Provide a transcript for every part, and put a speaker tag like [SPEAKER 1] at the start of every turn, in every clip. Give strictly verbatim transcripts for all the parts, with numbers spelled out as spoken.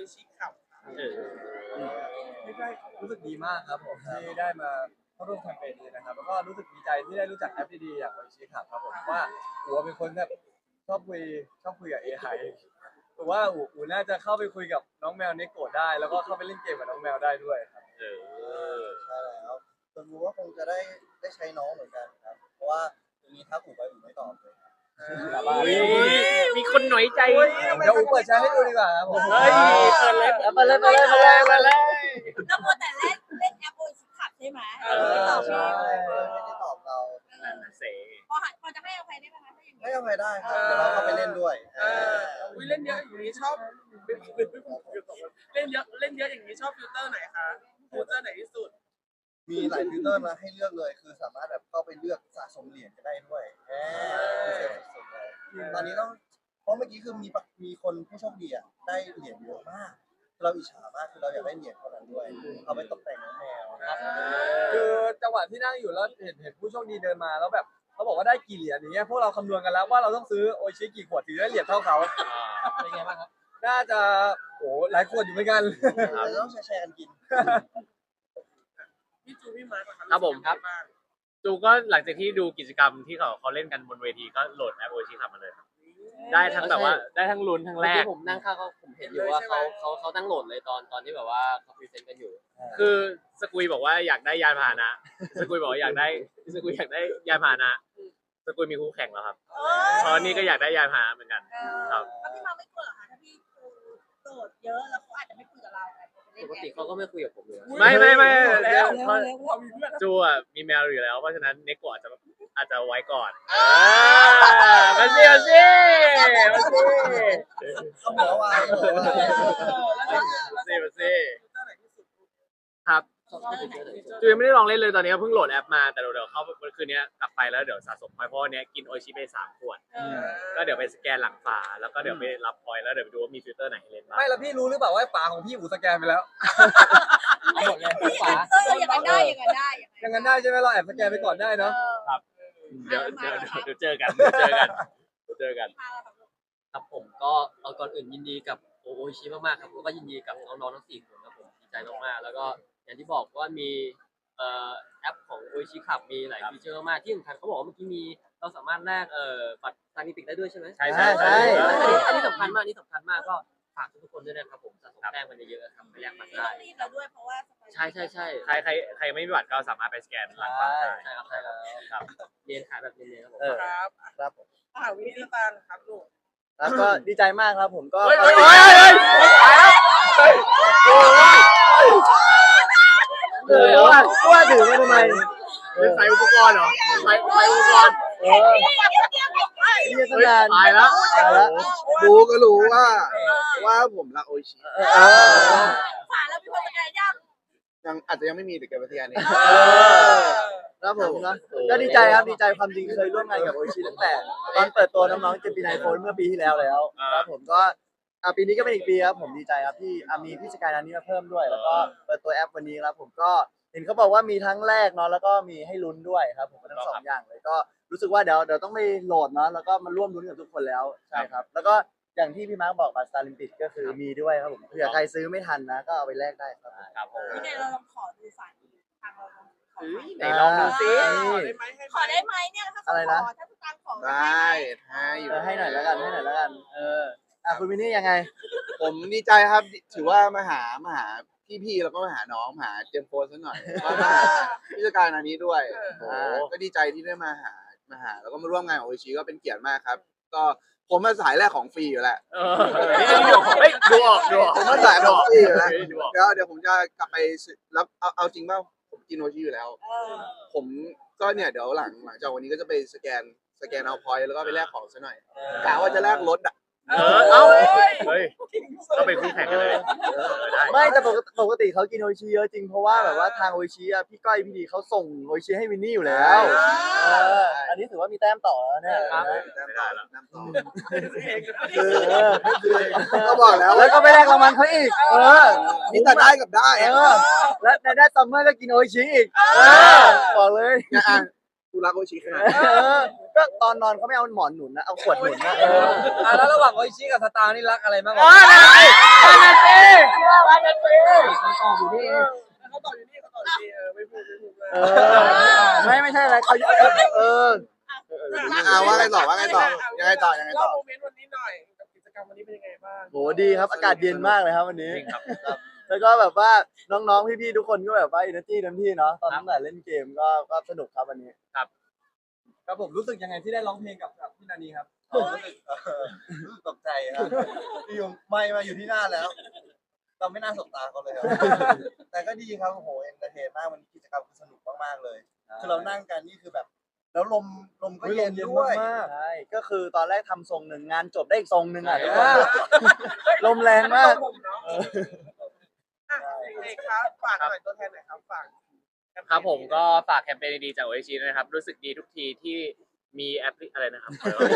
[SPEAKER 1] ชิขับ
[SPEAKER 2] ไม่ได้รู้สึกดีมากครับผมที่ได้มาเข้าร่วมแคมเปญนี้นะครับแล้วก็รู้สึกดีใจที่ได้รู้จักแอปดีๆอย่างโอชิครับครับผมว่าอู๋เป็นคนแบบชอบคุยชอบคุยกับ เอ ไอ แต่ว่าอู๋อู๋น่าจะเข้าไปคุยกับน้องแมวเนโกะได้แล้วก็เข้าไปเล่นเกมกับน้องแมวได้ด้วยครับ
[SPEAKER 3] เออ
[SPEAKER 4] ใช่แล้วจนรู้ว่าคงจะได้ได้ใช้น้องเหมือนกันครับเพราะว่าตรงนี้ถ้าอู่ไปอู่ไม่ตอบเลย
[SPEAKER 3] มีคนหน่อยใจ
[SPEAKER 2] เดี๋ยวอู๋เปิดใช้ให้ดูดีกว่าครับผม
[SPEAKER 3] เฮ้ยเปิดเลยเปิดเลยเปิดเลยเปิดเลยเปิดเลย
[SPEAKER 5] แล้วพอแต่เล่นเล่นแอปโอชิขับใช่ไหมไม่ตอบ
[SPEAKER 4] ใช่
[SPEAKER 5] พี่
[SPEAKER 4] ไม่ได้ตอบเรา
[SPEAKER 3] เส
[SPEAKER 5] พอหันพอจะให้อภัยได้ไหมคะถ้าอย่างนี้
[SPEAKER 4] ไม่เอาไปได้ครับเดี๋ยวเราเข้าไปเล่นด้วย
[SPEAKER 1] เอออุ้ยเล่นเยอะอย่างนี้ชอบเล่นเยอะเล่นเยอะอย่างนี้ชอบฟิลเตอร์ไหนคะฟิลเตอร์ไหนที่สุด
[SPEAKER 4] มีหลายฟิลเตอร์มาให้เลือกเลยคือสามารถแบบเข้าไปเลือกสะสมเหรียญก็ได้ด้วยพิเศษสุดๆเลยตอนนี้ต้องเพราะเมื่อกี้คือมีมีคนผู้โชคดีอ่ะได้เหรียญเยอะมากเราอิจฉามากคือเราอยากได้เหรียญเท่านั้นด้วยเอาไปตกแต่งน้องแมวครับ
[SPEAKER 2] คือจังหวะที่นั่งอยู่แล้วเห็นเห็นผู้โชคดีเดินมาแล้วแบบเขาบอกว่าได้กี่เหรียญอย่างเงี้ยพวกเราคำนวณกันแล้วว่าเราต้องซื้อโอชิกี่ขวดถึงได้เหรียญเท่าเขาเป็นไงบ้างครับน่าจะโอ้หลายขวดอยู่เหมือนกัน
[SPEAKER 4] เราต้องแชร์กันกิน
[SPEAKER 1] พี่จูพี่มาร์ค
[SPEAKER 3] ครับผมครับจูก็หลังจากที่ดูกิจกรรมที่เขาเขาเล่นกันบนเวทีก็โหลดแอปโอชิขับมาเลยครับได้ทั้งแบบว่าได้ทั้งลุ้นทั้งแรก
[SPEAKER 6] ผมนั่งข้างเขาผมเห็นอยู่ว่าเขาเขาเขาตั้งโหลดเลยตอนตอนที่แบบว่าเขาพรีเซนต์กันอยู่
[SPEAKER 3] คือสกุยบอกว่าอยากได้ยานพาหนะสกุยบอกว่าอยากได้สกุยอยากได้ยานพาหนะสกุยมีคู่แข่งแล้วครับตอนนี้ก็อยากได้ยานพาหนะเหมือนกันครับ
[SPEAKER 5] แล้วพี่มาไม่กลัวเหรอคะถ้าพี่โกรธเยอะแล้วเขาอาจจะไม่คุยกับเรา
[SPEAKER 6] ปกติเขาก็ไม่คุยกับผมเลย
[SPEAKER 3] ไม่ไม่ไม่
[SPEAKER 1] แล้ว
[SPEAKER 3] จูอ่ะมีแมวอยู่แล้วเพราะฉะนั้นเนโกะอาจจะอาจจะไว้ก่อนมาสิมาสิมาสิ
[SPEAKER 4] เขาบอกว่า
[SPEAKER 3] มาสิมาสิครับจูยังไม่ได้ลองเล่นเลยตอนนี้เพิ่งโหลดแอปมาแต่เดี๋ยวเข้าคืนนี้กลับไปแล้วเดี๋ยวสะสมพอยต์เพราะเนี้ยกินโอชิไปสามขวดก็เดี๋ยวไปสแกนหลังฝาแล้วก็เดี๋ยวไปรับพอยต์แล้วเดี๋ยวไปดูว่ามีฟิลเตอร์ไหนให้เล่นบ้าง
[SPEAKER 2] ไม่แล้วพี่รู้หรือเปล่าว่าฝาของพี่อู๋สแกนไปแล้ว
[SPEAKER 5] หมดเลยฝาเอออย่างนั้นได้อย่างนั้นได้
[SPEAKER 2] อย่างนั้นได้ใช่ไหมเราแอบสแกนไปก่อนได้เนาะ
[SPEAKER 3] ครับเดี๋ยวเดี๋ยวเดี๋ยวเจอกันเดี๋ยวเจอกันเจอกัน
[SPEAKER 6] ครับผมก็เอาก่อนอื่นยินดีกับโอชิมากๆครับแล้วก็ยินดีกับน้องๆทั้งสี่คนครับผมดีใจมากๆแล้วก็อย่างที่บอกว่ามีเอ่อแอปของโอชิขับมีหลายฟีเจอร์มากที่สำคัญเขาบอกว่าเมื่อกี้มีเราสามารถแลกเอ่อบัตรซานิปิกได้ด้วยใช่ไหม
[SPEAKER 3] ใช่ใช่ใช่
[SPEAKER 6] อันนี้สำคัญมากอันนี้สำคัญมากก็ฝากทุกคนด้วยนะครับผมสะสมแต้มกันเยอะๆครับไปแลกบัตรได้
[SPEAKER 5] รีบเราด้วยเพราะว่า
[SPEAKER 6] ใช่ใช่ใช่
[SPEAKER 3] ใครใครใครไม่มีบัตรก็สามารถไปสแกนหลังฝาได้
[SPEAKER 6] ใช่ครับใช่ครับ
[SPEAKER 3] ครับ
[SPEAKER 6] เรียนขายแบบเรียนๆครับผม
[SPEAKER 1] ครับ
[SPEAKER 4] ครับผม
[SPEAKER 1] อ่าวินิตาครับลูก
[SPEAKER 4] แล้วก็ดีใจมากครับผมก็
[SPEAKER 3] เฮ้ยเฮ้ยเฮ้ยเฮ้ยเฮ้ย
[SPEAKER 4] เออว่าว่าถือมาทำไม
[SPEAKER 3] เป็นใส่อุปกรณ์เหรอใส่ใส่อุปกรณ์
[SPEAKER 4] เออเรียกนาน
[SPEAKER 3] ตายแล้ว
[SPEAKER 4] ตายแล้ว
[SPEAKER 7] ดูก็รู้ว่าว่าผมรักโอชิ
[SPEAKER 5] ฝาแล้วมีคนสแกนยัง
[SPEAKER 7] ยังอาจจะยังไม่มีแต่แกวิทยานี่
[SPEAKER 4] ครับผมนะก็ดีใจครับดีใจความจริงเคยร่วมงานกับโอชิตั้งแต่ตอนเปิดตัวน้องๆเจมินายโฟนเมื่อปีที่แล้วแล้วครับผมก็ปีนี้ก็เป็นอีกปีครับผมดีใจครับที่มีพี่สกายนันนี้มาเพิ่มด้วยแล้วก็เปิดตัวแอปวันนี้ครับผมก็เห็นเขาบอกว่ามีทั้งแรกเนาะแล้วก็มีให้ลุ้นด้วยครับผมทั้งสองอย่างเลยก็รู้สึกว่าเดี๋ยวเดี๋ยวต้องไปโหลดเนาะแล้วก็มาร่วมลุ้นกับทุกคนแล้วใช่ครับแล้วก็อย่างที่พี่มาร์คบอกบัตรสตาร์ลิมปิกก็คือมีด้วยครับผมเผื่อใครซื้อไม่ทันนะก็เอาไปแลกได้ครับ
[SPEAKER 3] ครับผม
[SPEAKER 5] พี่เนยเราลองขอดูฝาทางเราลองขอ
[SPEAKER 3] ไหนลองดูซิ
[SPEAKER 5] ขอได้ไหมเนี่ยถ้าเขาขอถ้าคุณตังขอ
[SPEAKER 7] ได้ให้อยู่
[SPEAKER 4] ให้หน่อยแล้วกันให้หน่อยแล้วกันเอออ่ะคุณมินนี่ยังไง
[SPEAKER 7] ผมดีใจครับถือว่ามาหามาหาพี่ๆแล้วก็มาหาน้องมาหาเจมโฟสักหน่อยก็มาหาพิจารณานี้ด้วยก็ดีใจที่ได้มาหามาหาแล้วก็มาร่วมงานของโอชิก็เป็นเกียรติมากครับก็ผมมาสายแรกของฟรีอยู่แล้ว
[SPEAKER 3] ดูออกดูออก
[SPEAKER 7] ผมมาสายของฟรีอยู่แล้วเดี๋ยวเดี๋ยวผมจะกลับไปรับเอาเอาจริงเปล่าผมกินโอชิอยู่แล้วผมก็เนี่ยเดี๋ยวหลังหลังจากวันนี้ก็จะไปสแกนสแกนเอาพอยต์แล้วก็ไปแลกของซะหน่อยกะว่าจะแลกรถอ่ะ
[SPEAKER 3] เออเอ้าเฮ้ยก็ไปคู่แข่งกันเลย
[SPEAKER 4] ไม่แต่ปกติปกติเขากินโอชิเยอะจริงเพราะว่าแบบว่าทางโอชิอ่ะพี่ก้อยพี่ดีเขาส่งโอชิให้วินนี่อยู่แล้วเอออันนี้ถือว่ามีแต้มต่อแล้วเนี่ย
[SPEAKER 7] ครับไม่ได้แล้วแต้มต่อคือก็บอกแล้ว
[SPEAKER 4] แล้วก็ไปแลกรางวัลเขาอีกเออ
[SPEAKER 7] มีแต่ได้กับได้
[SPEAKER 4] เออและในได้ซัมเมอร์ก็กินโอชิอีกเออบอกเลย
[SPEAKER 7] เนี่ยอ่ะกูรักโออิชิขนาดนั้น
[SPEAKER 4] เออก็ตอนนอนเขาไม่เอาหมอนหนุนนะเอาขวดหนุนนะ
[SPEAKER 2] เอออ่ะแล้วระหว่างโออิชิกับสตาร์นี่รักอะไรมากกว่า
[SPEAKER 3] อ๋อนั่นสินั่นสินั่นสิ
[SPEAKER 6] มันตอบอยู่นี่
[SPEAKER 1] เขาตอบอยู่นี่เขาตอบอยู่นี่เออไม่พูดไม่พูดเลย
[SPEAKER 4] เออไม่ไม่ใช่อะไรเขาเออ
[SPEAKER 7] อ่าว่าไงต่อว่าไงต่อยังไงต่อยังไงต่อ
[SPEAKER 1] เล่าโมเมนต์วันนี้หน่อยกับกิจกรรมวันนี้เป็นยังไงบ้าง
[SPEAKER 4] โหดีครับอากาศเย็นมากเลยครับวันนี้
[SPEAKER 3] จริงครับ
[SPEAKER 4] แล้วก็แบบว่าน้องๆพี่ๆทุกคนก็แบบว่าอินเนอร์จี้เต็มที่เนาะตอนตั้งแต่เล่นเกมก็ก็สนุกครับวันนี้
[SPEAKER 2] ครับผมรู้สึกยังไงที่ได้ร้องเพลงกับกับพี่นานีครับ
[SPEAKER 8] รู้สึกเออรู้สึกตกใจครับอยู่ไม่มาอยู่ที่หน้าแล้ว เราไม่น่าสบตาเขาเลยครับ แต่ก็ดีครับโอ้โหเอนเตอร์เทนมากวันนี้กิจกรรมสนุกมากๆเลย คือเรานั่งกันนี่คือแบบ แล้วลมลมก็
[SPEAKER 2] อุ๊ย
[SPEAKER 8] เย็น
[SPEAKER 2] ลมเย็น
[SPEAKER 8] ด้วย
[SPEAKER 2] มาก
[SPEAKER 4] ใช่ก็คือตอนแรกทำทรงหนึ่งงานจบได้อีกทรงหนึ่งอ่ะ
[SPEAKER 2] ใช่
[SPEAKER 4] ทุกคนลมแรงมาก
[SPEAKER 1] ผมเนาะอ่ะเอกครับฝากหน่อยตัวแทนหน่อยครับฝาก
[SPEAKER 3] ครับผมก็ฝากแคมเปญดีๆจากโอเอชีนะครับ รู้สึกดีทุกทีที่มีแอปพลิอะไรนะครับ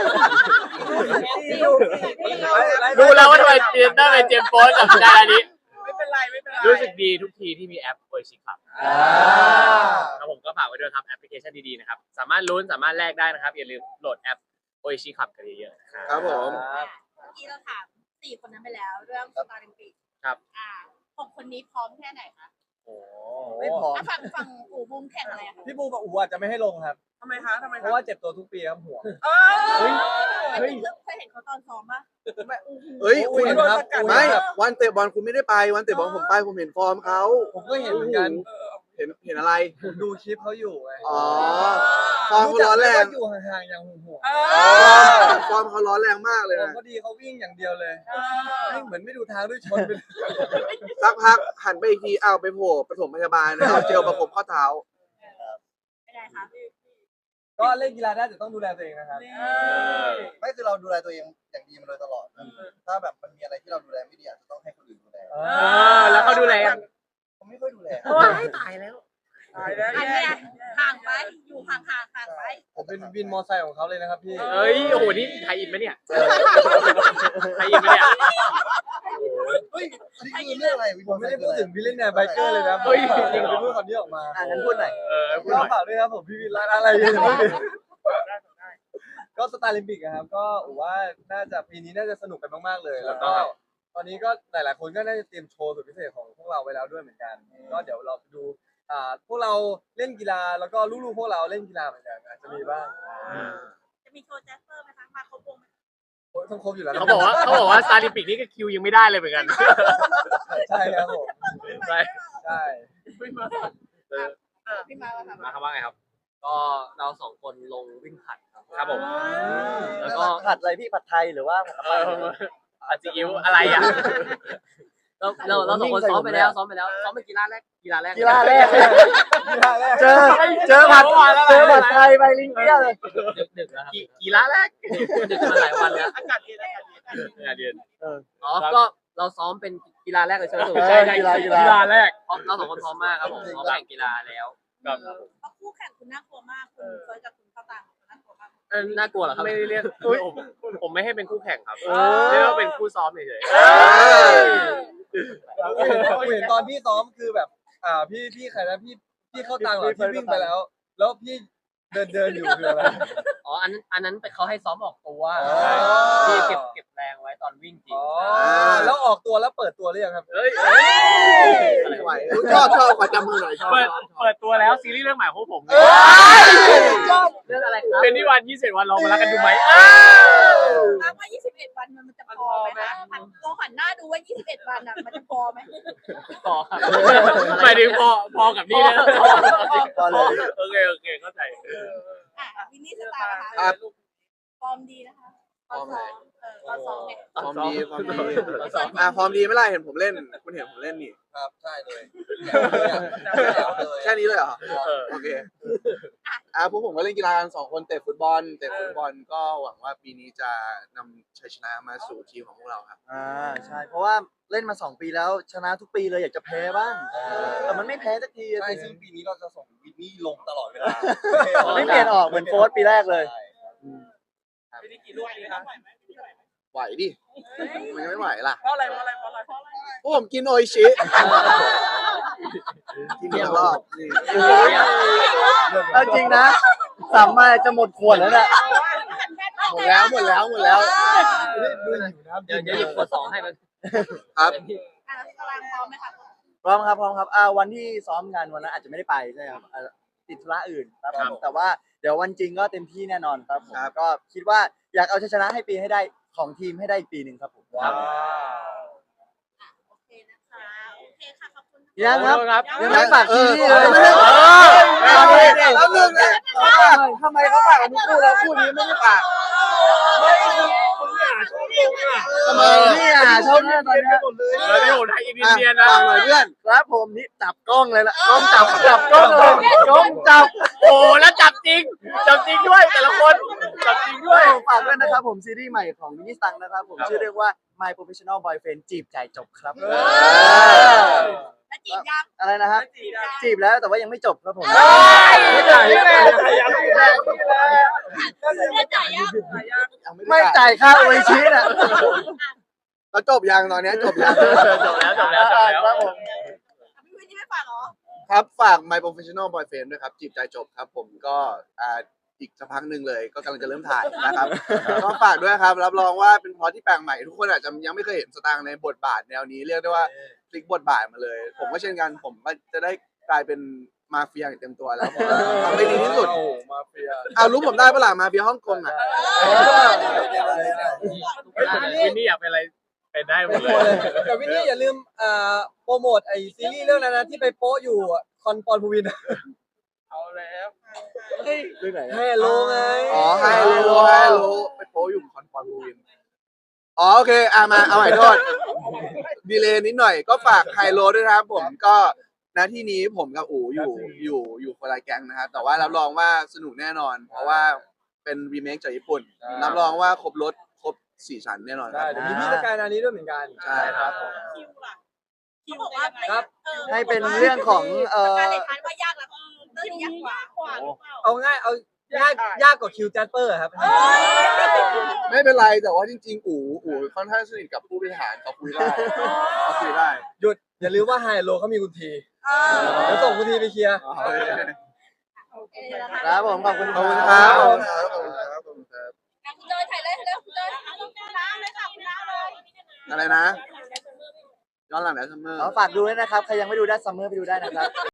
[SPEAKER 3] รู้แล้วว่าทำไมเจมส์ได้เป็นเจมส์โฟนกับดารานี้
[SPEAKER 1] ไม่เป็นไรไม่เป็นไร
[SPEAKER 3] รู้สึกดีทุกทีที่มีแอปโอเอชีครับ
[SPEAKER 2] อ่า
[SPEAKER 3] ครับผมก็ฝากไว้ด้วยครับแอปพลิเคชันดีๆนะครับ สามารถลุ้นสามารถแลกได้นะครับ อย่าลืมโหลดแอปโอเอชีขับกันเยอะๆ
[SPEAKER 7] ครับผม
[SPEAKER 5] เมื่อกี้เราถามสี่คนนั้นไปแล้วเรื่องสตาร์ลิมปิก
[SPEAKER 3] ครับ
[SPEAKER 5] อ่าหกคนนี้พร้อมแค่ไหนคะ
[SPEAKER 3] โอ้
[SPEAKER 4] ไม่พอ
[SPEAKER 5] อ่ะฝั่งฝั่งอู่บูมแข่งอะไรอะคะ
[SPEAKER 2] พี่บูกับอูอาจจะไม่ให้ลงครับ
[SPEAKER 1] ทำไมคะทำไม
[SPEAKER 2] เพ
[SPEAKER 1] คะ
[SPEAKER 2] ราะว่าเจ็บตัวทุกปีครับห่วง
[SPEAKER 1] เออ
[SPEAKER 5] ไม่เคยเคยเห็นเขาตอนซ้อมปะ
[SPEAKER 7] เฮ้ย
[SPEAKER 2] อุ้ย
[SPEAKER 7] คุณ
[SPEAKER 2] ครับ
[SPEAKER 7] ไม่วันเตะบอลคุณไม่ได้ไป วันเตะบอลผมไปผมเห็นฟอร์มเขา
[SPEAKER 2] ผมก็เห็นเหมือนกัน
[SPEAKER 7] เห็นเห็นอะไร
[SPEAKER 2] ผมดูคลิปเขาอยู่ไง
[SPEAKER 7] อ๋อ ฟอร์มเขาร้อนแรง
[SPEAKER 2] รู้จักไหมว่าอยู่ห่างๆอย่างห่วง
[SPEAKER 1] เอ
[SPEAKER 7] อ๋
[SPEAKER 1] อ
[SPEAKER 7] อฟอร์มเขาร้อนแรงมากเลย
[SPEAKER 2] ๆผม
[SPEAKER 7] นะ
[SPEAKER 2] ก็ดีเขาวิ่งอย่างเดียวเลยวิ่งเหมือนไม่ดูทางด้วยชนไปเลย
[SPEAKER 7] สักพักหันไปอีกทีอ้าวไปโผล่ปฐมพยาบาลนะเอาเจลประกบข้อเท้า
[SPEAKER 5] เป็นไงคะ
[SPEAKER 2] ก็เล่นกีฬาได้แต่ต้องดูแลตัวเองนะครับ
[SPEAKER 8] ไม่คือเราดูแลตัวเองอย่างดีมาโดยตลอดนะถ้าแบบมันมีอะไรที่เราดูแลไม่ดีอาจจะต้องให้คนอื่นดูแล
[SPEAKER 3] เออแล้วเขาดูแล
[SPEAKER 8] ผมไม่ค่อยดูแล
[SPEAKER 3] ว้ายตายแล้ว
[SPEAKER 1] ตายแล้ว
[SPEAKER 5] อัน
[SPEAKER 1] แย่
[SPEAKER 5] เนี้ยห่างไปอยู่ห่างห่างห่างไป
[SPEAKER 2] ผมเป็นวินมอไซค์ของเขาเลยนะครับพี่
[SPEAKER 3] เอ้ยโอ้โหนี่ไทยอินไหมเนี่ยไทยอินไหมเนี่ย
[SPEAKER 8] เฮ้ยอันนี้คือเรื่องอะไร
[SPEAKER 2] ผมไม่ได้พูดถึงพี่เล่นแนวไบเกอร์เลยนะ
[SPEAKER 3] เฮ้ย
[SPEAKER 2] จริงเหรอพูดคำนี้ออกมา
[SPEAKER 4] อ่ะงั้นพูดหน่อย
[SPEAKER 3] เออพูด
[SPEAKER 2] ก็
[SPEAKER 3] หน่อย
[SPEAKER 2] ฝากด้วยครับผมพี่วินร้านอะไรอยู่เนี่ยก็สตาร์ลิมปิกนะครับก็ผมว่าน่าจะปีนี้น่าจะสนุกกันมากๆเลย แล้วก็ตอนนี้ก็หลายๆคนก็น่าจะเตรียมโชว์สุดพิเศษของพวกเราไว้แล้วด้วยเหมือนกัน ก็เดี๋ยวเราไปดูอ่าพวกเราเล่นกีฬาแล้วก็ลูกๆพวกเราเล่นกีฬาเหมือนกันอาจจะมีบ้าง
[SPEAKER 5] จะมีโชว์แจ๊สเปอร์ไหมคะมาครบวงไหม
[SPEAKER 2] โอ้ยต้องครบอยู่แล้วนะ
[SPEAKER 3] เขาบอกว่าเขาบอกว่าซาลิมปิกนี่ก็คิวยังไม่ได้เลยเหมือนกัน
[SPEAKER 2] ใช่ครับผม
[SPEAKER 3] ใช่
[SPEAKER 2] ใช่
[SPEAKER 1] ไม่มา
[SPEAKER 3] เออ
[SPEAKER 5] พี่มาว่าทำ
[SPEAKER 3] มาครับว่าไงครับ
[SPEAKER 6] ก็เราสองคนลงวิ่งผลัดครับ
[SPEAKER 3] ครับผม
[SPEAKER 6] แล้วก็
[SPEAKER 4] ผัดอะไรพี่ผัดไทยหรือว่าผัด
[SPEAKER 3] เอ
[SPEAKER 4] อะไร
[SPEAKER 3] ออาจิอิวอะไรอ่ะ
[SPEAKER 6] เราเราเราสองคนซ้อมไปแล้วซ้อมไปแล้วซ้อมเป็นกีฬาแรกกีฬาแรก
[SPEAKER 4] กีฬาแรก
[SPEAKER 2] กีฬาแรก
[SPEAKER 4] เจอเจอผัดเจอผัดไทยไปลิงเกี้ยเลย
[SPEAKER 6] ดึกดึกๆแล้วครับ
[SPEAKER 3] กีกีฬาแรก
[SPEAKER 6] ดึกมาหลายวันแล้ว
[SPEAKER 1] อากาศเย็นอากาศเย็น
[SPEAKER 3] งานเรียน
[SPEAKER 6] อ๋อก็เราซ้อมเป็นกีฬาแรกเลยใช่ไหม
[SPEAKER 4] ใช่ใช่กีฬากีฬา
[SPEAKER 3] กีฬาแรก
[SPEAKER 6] เพราะเราสองคนพร้อมมากครับผมพร้อมแข่งกีฬาแล้ว
[SPEAKER 3] ครับ
[SPEAKER 5] เพราะคู่แข่งคุณน่ากลัวมากคุณเฟิร์สกับคุณข้าวตังคุณน่ากลัวมาก
[SPEAKER 3] เออ
[SPEAKER 6] น่ากลัวเหรอครับ
[SPEAKER 3] ไม่ได้เรียกผมผมไม่ให้เป็นคู่แข่งครับ
[SPEAKER 4] เออ
[SPEAKER 3] เรียกว่าเป็นคู่ซ้อมเฉย
[SPEAKER 2] ผมเห็นผมเห็นตอนพี่ซ้อมคือแบบ อ่าพี่พี่ใครนะพี่พี่เข้าตังค์เหรอที่วิ่งไปแล้ว แล้วพี่เดินเดินอยู่คืออะไร
[SPEAKER 6] อ๋ออันนั้นอันนั้นไปเขาให้ซ้อมออกตัว
[SPEAKER 2] อ๋อ
[SPEAKER 6] ที่เก็บเก็บแรงไว้ตอนวิ่งจริง
[SPEAKER 2] อ๋อแล้วออกตัวแล้วเปิดตัวหรือยังครับ
[SPEAKER 3] ๆเฮ้ย
[SPEAKER 7] ไม่ไหวชอบชอบขอจำมือหน่อยชอบ
[SPEAKER 3] เปิดเปิดตัวแล้วซีรีส์เรื่องใหม่ของผม
[SPEAKER 6] เรื่องอะไรครับ
[SPEAKER 3] เป็นนิวันยี่สิบวันลองมารักกันดูไหม
[SPEAKER 5] ถามว่ายี่สิบเอ็ดวันมันมันจะพอไหมคะลองหันหน้าดูว่ายี่สิบเอ็ดวันอ่ะมันจะพอไหม
[SPEAKER 6] ต่อครับ
[SPEAKER 3] หมายถึงพอพอกับนี่นะ
[SPEAKER 4] พอเลย
[SPEAKER 3] โอเคโอเคเข้าใจ
[SPEAKER 5] อ่ะวินนี่สตาร์นะคะ
[SPEAKER 7] ครับ
[SPEAKER 5] ฟอร์มดีนะคะตอนซ้อมเออตอนซ้อมเนี่ย
[SPEAKER 7] ฟอร์มดีฟอร์มดีอ่าฟอร์มดีไม่ไรเห็นผมเล่น คุณเห็นผมเล่นนี่
[SPEAKER 8] ครับใช่เลย
[SPEAKER 7] แค่นี้เลยเหรอ
[SPEAKER 3] เออ
[SPEAKER 7] โอเคอ่าพวกผมก็เล่นกีฬากันสองคนเตะฟุตบอลเตะฟุตบอลก็หวังว่าปีนี้จะนำชัยชนะมาสู่ทีมของพวกเราครับ
[SPEAKER 4] อ่าใช่เพราะว่าเล่นมาสองปีแล้วชนะทุกปีเลยอยากจะแพ้บ้างแต่มันไม่แพ้สักทีอะ
[SPEAKER 8] ใช่ซึ่งปีนี้เราจะส่งวินนี่ลงตลอดเวลา
[SPEAKER 4] ไม่เปลี่ยนออกเหมือนโฟร์ปีแรกเลย
[SPEAKER 1] ไม่ได้กี่ลูกเลยคะ
[SPEAKER 7] ไหวดิมันยังไม่ไหวล่ะ
[SPEAKER 1] เพราะอะไรเพราะอะไรเพราะอะไรเพราะอะไร
[SPEAKER 7] พวกผมกินโออิชิกินเดียวรอบนี่
[SPEAKER 4] เอาจริงนะสามมาจะหมดขวดแล้วเนี่ย
[SPEAKER 7] หมดแล้วหมดแล้วหมดแล้ว
[SPEAKER 2] ดูอยู่นะครับ
[SPEAKER 6] เดี๋ยวเดี๋ยวหยิบขวดสองให้มัน
[SPEAKER 7] ครับ
[SPEAKER 5] อ่ะตารางพร้อมไหมคะ
[SPEAKER 4] พร้อมครับพร้อมครับอ่าวันที่ซ้อมงานวันนั้นอาจจะไม่ได้ไปใช่ครับอ่าติดธุระอื่นครับผมแต่ว่าเดี๋ยววันจริงก็เต็มที่แน่นอนครับผมก็คิดว่าอยากเอาชัยชนะให้ปีให้ได้ของทีมให้ได้อีกปีหนึ่งครับผม
[SPEAKER 3] ครับ
[SPEAKER 5] โอเคนะคะโอเคค่ะขอบคุณ
[SPEAKER 4] ยังครับ
[SPEAKER 3] ครับ
[SPEAKER 4] ยังไม่ฝากซีรีส์เลย
[SPEAKER 7] เออ
[SPEAKER 4] เอาเลยดิ
[SPEAKER 7] แล้วหนึ่งเนี่ย
[SPEAKER 4] ทำไมเขาฝากกันทุกคู่แล้วคู่นี้ไม่ได้ฝาก
[SPEAKER 7] ทำไม
[SPEAKER 4] นี่อ่ะชอบเนี่ยตอนเนี้ย
[SPEAKER 3] เออที่ผมไทยอินเดียนนะ
[SPEAKER 7] ฟังหน่อยเพื่อน
[SPEAKER 4] ครับผมนี่จับกล้องเลยละกล้องจับจับกล้องเลยกล้องจับ
[SPEAKER 3] โอ้แล้วจับจริง จับจริงด้วยแต่ละคนจับจริงด้
[SPEAKER 4] ด้
[SPEAKER 3] ว
[SPEAKER 4] วย ยฝากด้วยนะครับผมซีรีส์ใหม่ของมินิสตังนะครับผมชื่อเรื่องว่า My Professional Boyfriend จีบใจจบครับ
[SPEAKER 5] แล้วจีบยัง
[SPEAKER 4] อะไรนะฮะ
[SPEAKER 1] จีบยัง
[SPEAKER 4] จีบแล้วแต่ว่ายังไม่จบครับผม
[SPEAKER 3] ไม่จ่ายไม่จ่ายไม่จ่าย
[SPEAKER 5] เนี่ยจ่ายยัง
[SPEAKER 4] ไม่จ่ายค่าโออิชิน่ะ
[SPEAKER 7] แล้วจบยังตอนเนี้ยจบยัง
[SPEAKER 3] จบแล้วจบแล้วจบแล้ว
[SPEAKER 4] ครับผม
[SPEAKER 5] พี่วินนี่ไม่ฝากเหรอ
[SPEAKER 7] ครับฝาก My Professional Boyfriend ด้วยครับจีบใจจบครับ ผมก็อ่าอีกสักพักหนึ่งเลย ก็กำลังจะเริ่มถ่ายนะครับ ก็ฝากด้วยครับ รับรองว่าเป็นพล็อตที่แปลกใหม่ ทุกคนอาจจะยังไม่เคยเห็นสตางค์ในบทบาทแนวนี้เรียกได้ว่าพลิกบทบาทมาเลย ผมก็เช่นกันผมก็จะได้กลายเป็นมาเฟียอย่างเต็มตัวแล้วผมก็ทำให้ดีที่สุด
[SPEAKER 2] โอ้มาเฟีย
[SPEAKER 7] เอารู้ผมได้ปะล่ะมาเฟียฮ่องกงอ่ะ
[SPEAKER 3] วินนี่อยากเป็นอะไรเป็นได้หมดเลย
[SPEAKER 2] แต่วินนี่อย่าลืมอ่าโปรโมทไอซีรีส์เรื่องนั้นนะที่ไปโป๊ะอยู่อะคอนปอนภูวิน
[SPEAKER 1] เอาแล้ว
[SPEAKER 4] เรื่องไหน
[SPEAKER 2] แฮ่โลไง
[SPEAKER 7] อ๋อไฮโลไฮโลไปโป๊อยู่คอนฟอร์มวินอ๋อโอเคอ่ะมาเอาใหม่โทษดีเลย์นิดหน่อยก็ฝากไฮโลด้วยนะครับผมก็ณที่นี้ผมกับอู๋อยู่อยู่อยู่คนละแก๊งนะครับแต่ว่ารับรองว่าสนุกแน่นอน เพราะว่าเป็นรีเมคจากญี่ปุ่น รับรองว่าครบรถครบสี่ชั้นแน่นอนค
[SPEAKER 2] ใช่
[SPEAKER 7] รับ
[SPEAKER 2] เดี๋ยวมีพี่สกายนานี้ด้วยเหมือนกัน
[SPEAKER 7] ใช่ครับผม
[SPEAKER 5] คิวล่ะคิวบอกว่า
[SPEAKER 2] ครับ
[SPEAKER 5] ออ
[SPEAKER 4] ให้เป็นเรื่องของเอ่
[SPEAKER 5] กา
[SPEAKER 4] อ
[SPEAKER 5] รเล่นทานว่ายากแล้วเรื่องนี้ยากกว่าหรือเปล่า
[SPEAKER 2] เอาง่ายเอายากยากกว่าคิวแจสเปอร์ครับ
[SPEAKER 7] ไม่เป็นไรแต่ว่าจริงๆอู๋อู๋ค่อนข้างสนิทกับผู้บริหารเขาคุยได้เขาคุยได้
[SPEAKER 2] หยุดอย่าลืมว่าไฮโลเขามีคุณที
[SPEAKER 5] เออ
[SPEAKER 2] เดี๋ยวส่งคุณทีไปเคลียร์
[SPEAKER 7] โอเค
[SPEAKER 5] โอเคนะคะ
[SPEAKER 4] ครับผมขอบคุณ
[SPEAKER 7] ขอบคุณครับขอบคุณครับขอบคุณครับขอบคุณครับ
[SPEAKER 5] อ่ะคุณเจยถ่ายเลยเร็วคุณเจยคุณน้ำเลยค่ะคุณน้ำเลย
[SPEAKER 7] อะไรนะย้อนหลังแล้วซัมเมอร์
[SPEAKER 4] ขอฝากดูด้วยนะครับ ใครยังไม่ดูได้ซัมเมอร์ไปดูได้นะครับ